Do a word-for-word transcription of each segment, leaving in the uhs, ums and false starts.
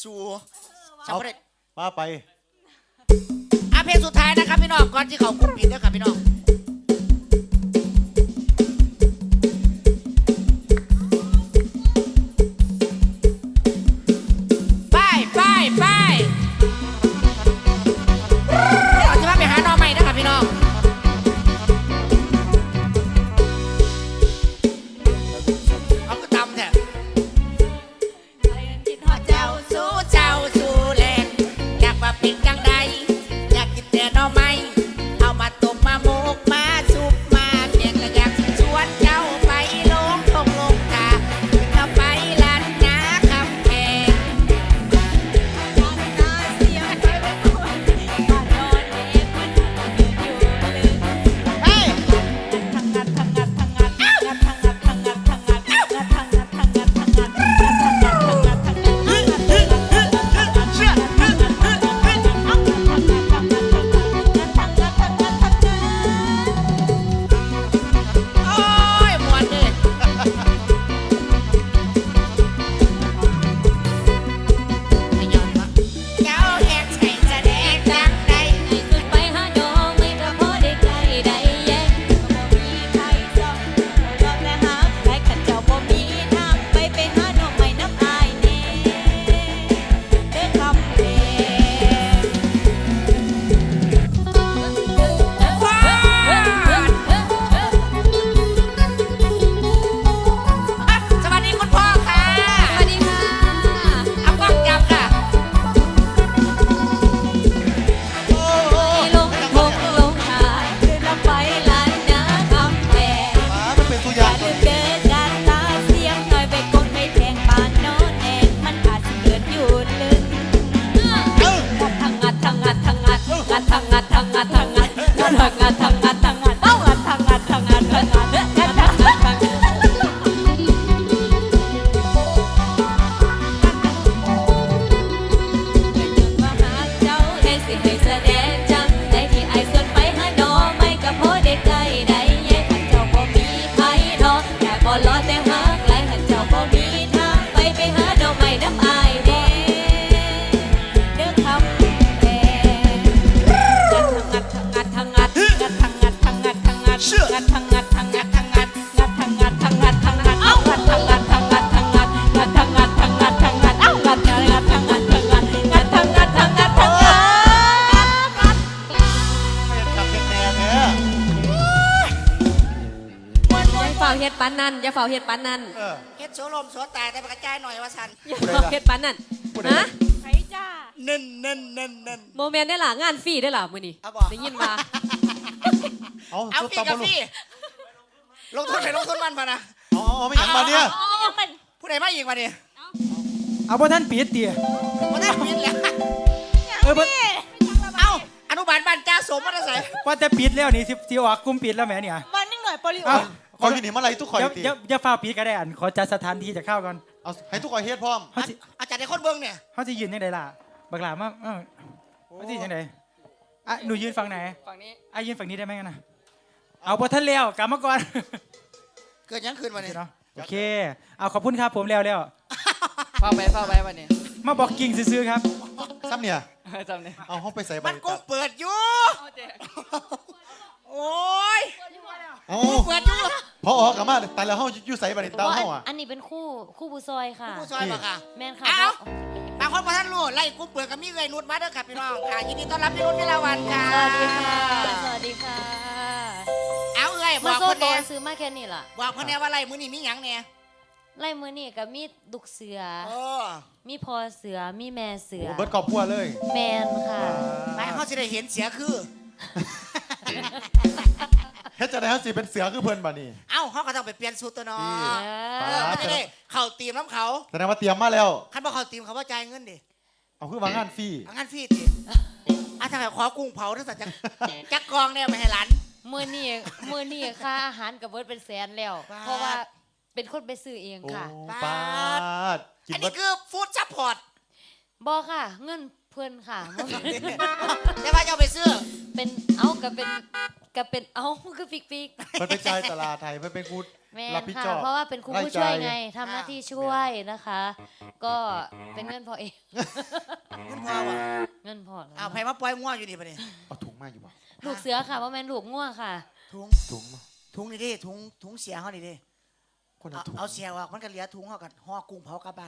สู่เอาป้าไปอ่ะเพลงสุดท้ายนะครับพี่น้องก่อนที่เขาคุมผิดนะครับพี่น้องไปไปไปเราจะมาไปหาน้องใหม่นะครับพี่น้องเอาก็ตำแท้เจ้าสู้เจ้าสู้แรงอยากมาเป็นจังใดอยากกินแต่หน่อไม้เอามาต้มมาโมกมาซุปมาแกงก็อยากชวนเจ้าไปลงทงลงทาเราไปลานนาคำแพงเฮ้ยโอ้ยม่วนเด้ให้ย้อนมาเจ้าแหกใส่แสดงจังใดขึ้นไปหาดอกไม่กระพอได้ไกลได้แย่บ่มีใครจ้องรอบและหาใครขันเจ้าบ่มีทางไปไปหาดอกไม้น้ำอายแน่เด้อคำเพลว้าวอ่ะสวัสดีคุณพ่อค่ะสวัสดีค่ะเอากล้องจับค่ะให้ลงทงลงทางเดินลำไปลานนาคำแพงป้ามันเป็นตัวออย่าย่าง ลืมเดินการตาเสียงหน่อยไปกดไม่แทงปานนอนแองมันอาจจะเกิดอยู่ลึกทางงัดทางงัดทางงัดงัดทางงัดทางงัดทางงัดงัดทางงัดทางงัดทางงัดเอางัดทางงัดทางงัดทางงัดงัดทางงัดทางงัดมาหาเจ้าให้สิให้แสดงจังได้ที่ไอ้ส่วนไปหาดอกไม่ก็พอได้ใกล้ได้แย่ขันเจ้าบ่มีใครดอกอยากบ่รอแต่หาไกลขันเจ้าบ่มีทางไปไปหาดอกไม้น้ำอายแน่เด้อคำแพงงัดทางงัดทางงัดงัดทางงัดทางงัดทางงัดงัดทางงัดทางงัดทางงัดงัดทางงัดทางงัดทางงัดเอางัดทางงัดทางงัดทางงัดงัดทางงัดทางงัดทางงัดเอางัดทางงัดทางงัดทางงัดงัดทางงัดทางงัดทางงัดไม่อยากขับแน่ๆเนี่ยอย่าเฝ้าเฮ็ดปานนั้นอย่าเฝ้าเฮ็ดปานนั้นเออเฮ็ดโสลมโสตายแต่กระจายหน่อยว่าสันอย่าเฝ้าเฮ็ดปานนั้นพูดได้ฮะละเน้นเน้นเน้นเน้นโมเมนต์ได้ล่ะงานฟรีได้ล่ะมื้อนี้เอาบอกได้ยินว่าเอาเอาสุดฟรีตากับบ อลฟรีลงทุนไปลงทุนมันพะนะเอาเอาเอาไม่หยังมาเนี่ยผู้ใดมาอีกมาเนี่ยเอาบ่ท่านปิดเตี๋ยมาได้ปิดแล้วเออบ่เอาอนุบาลบ้านจ้าสมมาได้ใส่ว่าจะปิดแล้วนี่สิสิออกกลุ่มปิดแล้วแหมเนี่ยวันนึงหน่อยโปลิโอเอาคอยอยู่นี่เมื่อไหรทุกคอยเดี๋ยวตีเดี๋ยวอย่าฟ้าวปิดก็ได้อันขอจัดสถานที่จะเข้าก่อนเอาให้ทุกคอยเฮ็ดพร้อมเฮาสิอาจารย์ในคนเบิ้งเนี่ยเฮาสิยืนจังไดล่ะบักหลามาเอ้าเฮาสิจังไดอ่ะหนูยืนฝั่งไหนฝั่งนี้อ่ะยืนฝั่งนี้ได้ไหมกันนะเอาบ่ท่านแล้วกลับมาก่อนเกิดยังคืนมาเนี่ยเนาะโอเคเอาขอบคุณครับผมแล้วแล้วเฝ้าไปเฝ้าไปวันนี้มาบอกกิ่งซื้อๆครับซ้ำเนี่ยจำเนี่ยเอาห้องไปใส่ใบมันกูตัดเปิดอยู่โอ้ยเอากูเปิดอยู่พอออกกลับมาแต่แล้วห้องอยู่ใส่ใบเตาห้องอ่ะอันนี้เป็นคู่คู่บูซอยค่ะกูซอยมาค่ะแม่นค่ะเอาบางคนมาท่านรู้ไล่กูเปิดกับมีเงยนุดมาเด้อค่ะพี่น้องค่ะยินดีต้อนรับพี่นุชวิลาวันค่ะสวัสดีค่ะสวัสดีค่ะเอาเอ้ยบมาอกโซ่คนโตแน่ซื้อมาแค่นี้ล่ะบอกคนแน่ว่าไล่มือนี่มีหยังเนี่ยไล่มือนี่กับมีดุกเสือเออมีพอเสือมีแม่เสือโอ้เบิร์ดกอบพัวเลยแมนค่ะไปเขาจะได้เห็นเสียคือเฮ็ดจะได้เขาสิเป็นเสือคือเพิ่นบ่นี่เอ้าเขาก็ต้องไปเปลี่ยนสูตรตัวเน้อดีเออไม่ได้เข่าตีมน้ำเขาแสดงว่าเตรียมมาแล้วคันบอกเข่าตีมเขาว่าจ่ายเงินดิเอาคือวางงานฟรีเอางั้นพี่ดิอ่ะถ้าใครขอกุ้งเผาทั้งสัตว์จักจักกองเนี่ยไม่ให้หลานมือนี่มือนี่ค่าอาหารกับเบิร์ดเป็นแสนแล้วบาทเพราะว่าเป็นคนไปซื้อเองโอ้ค่ะปาดกินอันเบินี้ดคือฟู้ดซัพพอร์ตบอค่ะ เงินเพื่อนค่ะแต่ว่าจะเอาไปซื้อเป็นเอาก็เป็นก็เป็นเอาก็ปิกปิกเพิ่นไปจ่ายตลาดไทยเพิ่นเป็นกูแม่รับผิดค่ะชอบเพราะว่าเป็นครูผู้รายจ่ายช่วยไงทำหน้าที่ช่วยนะคะ ก็เป็นเงินพอเองเงินพอวะเงินพอแล้วเอาไผมาปล่อยง่วงอยู่นี่ปะเนี่ยเอาถุงมาอยู่บ่ลูกเสือค่ะว่าแม่นลูกง่วงค่ะถุงถุงมาถุงนี่ดิถุงถุงเสียเขานี่ดิคนเอาละถุงเอาเสียออกมันก็เหลือถุงเขากันห่อกุ้งเผากลับบ้าน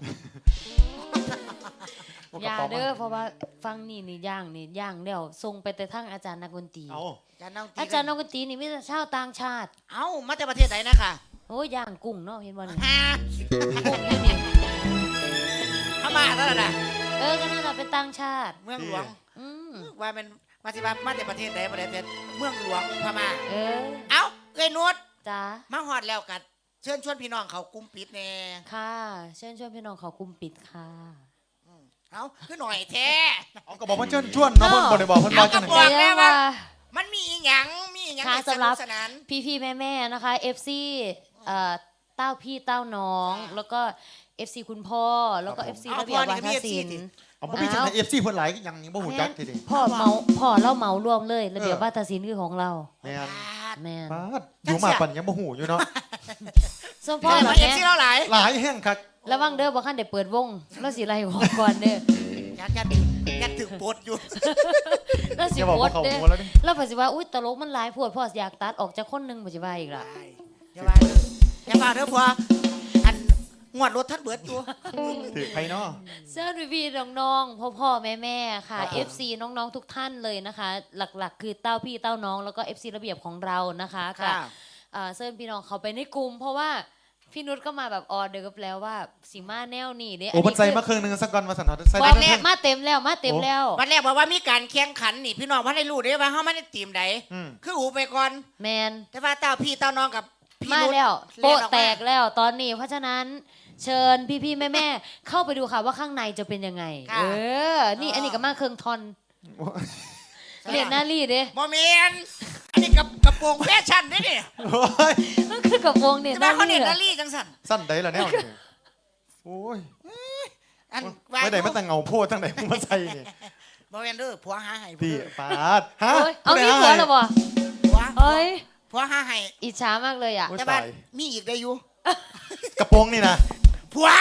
เอาอกระย่าป๋เด้อเพราะว่าฟังนี่นี่ย่างนี่ย่างเดี๋ยวส่งไปแต่ทั้งอาจารย์นักดนตรีเอาอาจารย์น้องตีอาจารย์นักดนตรีนี่มีแต่ชาวต่างชาติเอ้ามาจากประเทศไหนนะคะโอ้ยย่างกุ้งเนาะเห็นบ่นี่ฮะกุ้งนี่นี่พม่าแล้วน่ะเออก็น่าจะเป็นต่างชาติเมืองหลวงอืมว่าเป็นมาสิว่ามาจากประเทศไหนประเทศเมืองหลวงพม่าเออเอ้าเอ้ยนุชจ้ามาฮอดแล้วกัดเชิญชวนพี่น้องเขากลุ่มปิดแน่ค่ะเชิญชวนพี่น้องเขาคุมปิดค่ะเอ้าคือหน่อยแท้เอากระบอกมันเชิญชวนเนาะเพิ่นบ่ได้บอกเพิ่นว่าจังเอากระได๋บอก แล้วว่า มันมีอีหยังมีอีหยังค่ะให้สสำหนุรักบสนานพี่พี่แม่แม่ๆนะคะ เอฟ ซี เอ่อเต้าพี่เต้าน้อง แล้วก็ เอฟ ซี คุณพ่อ แล้วก็ เอฟ ซี ระเบียบวาทศิลป์เอาบ่มีจังได๋ เอฟ ซี เพิ่นหลายก็ยังบ่ฮู้จักทีเดิพ่อเมาพ่อเล่าเมารวมเลย ระเบียบวาทศิลป์คือของเราแม่นแม่นปาดอยู่มาปันยังบ่ฮู้อยู่เนาะส่วนพ่พ่ออเหเหรรออเอฟแม่ซีเราหลายหลายแห่งคักระวังเด้อบ่คันได้เปิดวงแล้วสิไล่หัวก่อนเด้ออยากจะอยากถึงปวดอยู่แล้วสิอย่าบอกโพว่าสเขาเด้อหัวแล้วดิแล้วเพิ่นสิว่าอุ้ยตลกมันหลายโพดพ่ออยากตัดออกจากคนหนึงบ่สิว่าอีกล่ะอย่าว่าเด้ออย่าว่าเด้อพ่ออันงวดรถท่านเบิดตัวถือไผเนาะเสื้อรีวีน้องๆพ่อพ่อแม่แม่ๆค่ะครับผมเอฟ ซี น้องๆทุกท่านเลยนะคะ หลักๆ คือเต้าพี่เต้าน้องแล้วก็ เอฟ ซี ระเบียบของเรานะคะค่ะกับอ่าเซิร์นพี่น้องเขาไปในกลุ่ม เพราะว่าพี่นุชก็มาแบบออเดอร์แล้วว่าสิมาแนวนี่เด้โอ้มันใส่คือมาครึ่งหนึงสักก่อนมาสั่นเฮาใส่บได้อกครึ่แล้งวมาเต็มแล้วมาเต็มแล้ววันแรกบอกว่ามีการแข่งขันนี่พี่น้องพ่อได้รู้ได้ว่าเฮาไม่ได้ทีมใดอืมคืออูไปก่อนแมนแต่ว่าเต้าพี่เต้าน้องกับพี่มานุชแล้วเล่นโปะออกมาแตกแล้วตอนนี้ เพราะฉะนั้นเชิญพี่ๆแม่ๆเข้าไปดูค่ะว่าข้างในจะเป็นยังไงค่ะเออ นี่อันนี้ก็มาเครื่องทอนเรียนหน้ารีเด้โมเมนอันนี้กับกระโปรงแฟชั่นนี่นี่โอ้ยก็คือกับวงเนี่ยแต่หว่าน้าเขารีเน็ตเหรอนารีจังสันสั้นได้ล่ะแนวนี่โอ้ยอันไม่ได้มาแต่เงาโพดทั้งไหนมาใส่นี่โมเมนเด้อผัวหาให้พี่เด้อปาดฮะโอ้ยเอาผู้ใดมีผัวให้แล้วบ่ผัวเอ้ยผัวหาให้อิจฉามากเลยอ่ะโอ้ยแต่ว่าตายมีอีกได้อยู่กระโปรงนี่นะผัว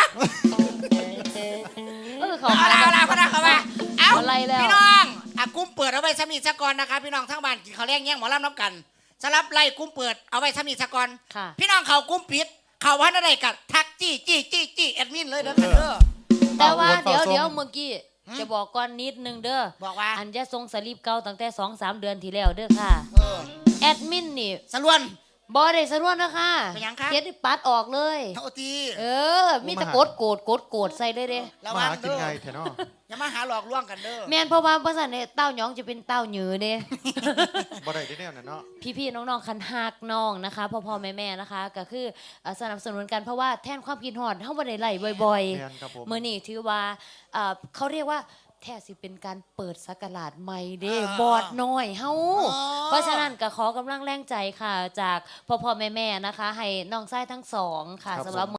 เออเขาเอาละเอาละเขาละเขาละเอาอะไรแล้วพี่น้องอ่ะกุ้มเปิดเอาไว้สมีสกอนนะคะพี่น้องทั้งบ้านกินข้าวแรงแย่งหมอลำน้ำกันสำหรับไล่กุ้มเปิดเอาไว้สมีสกอนค่ะพี่น้องเขากุ้มปิดเขาว่าอะไรกันทักจี้จี้จี้จี้แอดมินเลยเด้อค่ะเด้อแต่ว่าเฝ้าเดี๋ยวเฝ้าเดี๋ยวเมื่อกี้จะบอกก่อนนิดนึงเด้อบอกว่าอันจะส่งสลิปเก่าตั้งแต่สองสามเดือนที่แล้วเด้อค่ะเออแอดมินนี่สรวนบอได้สะรวนนะคะเป็นหยังคะเฮ็ดให้ปัดออกเลยเท่าทีเออ มีแต่กดโกรธกดโกรธใส่เลยเด้ระมาวังหากินเด้อไงแถเนาะอย่ามาหาหลอกลวงกันเด้อแม่นเพราะว่าภาษาเนี่ยเต้าหยองจะเป็นเต้าหยือเด้บ่ได้ที่แนวนั้นเนาะพี่ๆน้องๆคันหักน้องนะคะพ่อพ่อแม่แม่ๆนะคะ ก็คือเอ่อสนับสนุนกันเพราะว่าแทนความกินหอดเฮาบ่ได้ไล่บ่อยแม่นครับผมๆมื้อนี้ถือว่าเอ่อเขาเรียกว่าแท้สิเป็นการเปิดสักราชใหม่เด้บอดน้อยเฮาเพราะฉะนั้นก็ขอกำลังแรงใจค่ะ จากพ่อพ่อแม่แม่ๆนะคะ ให้น้องชายทั้งสองค่ะครับสำหรับผม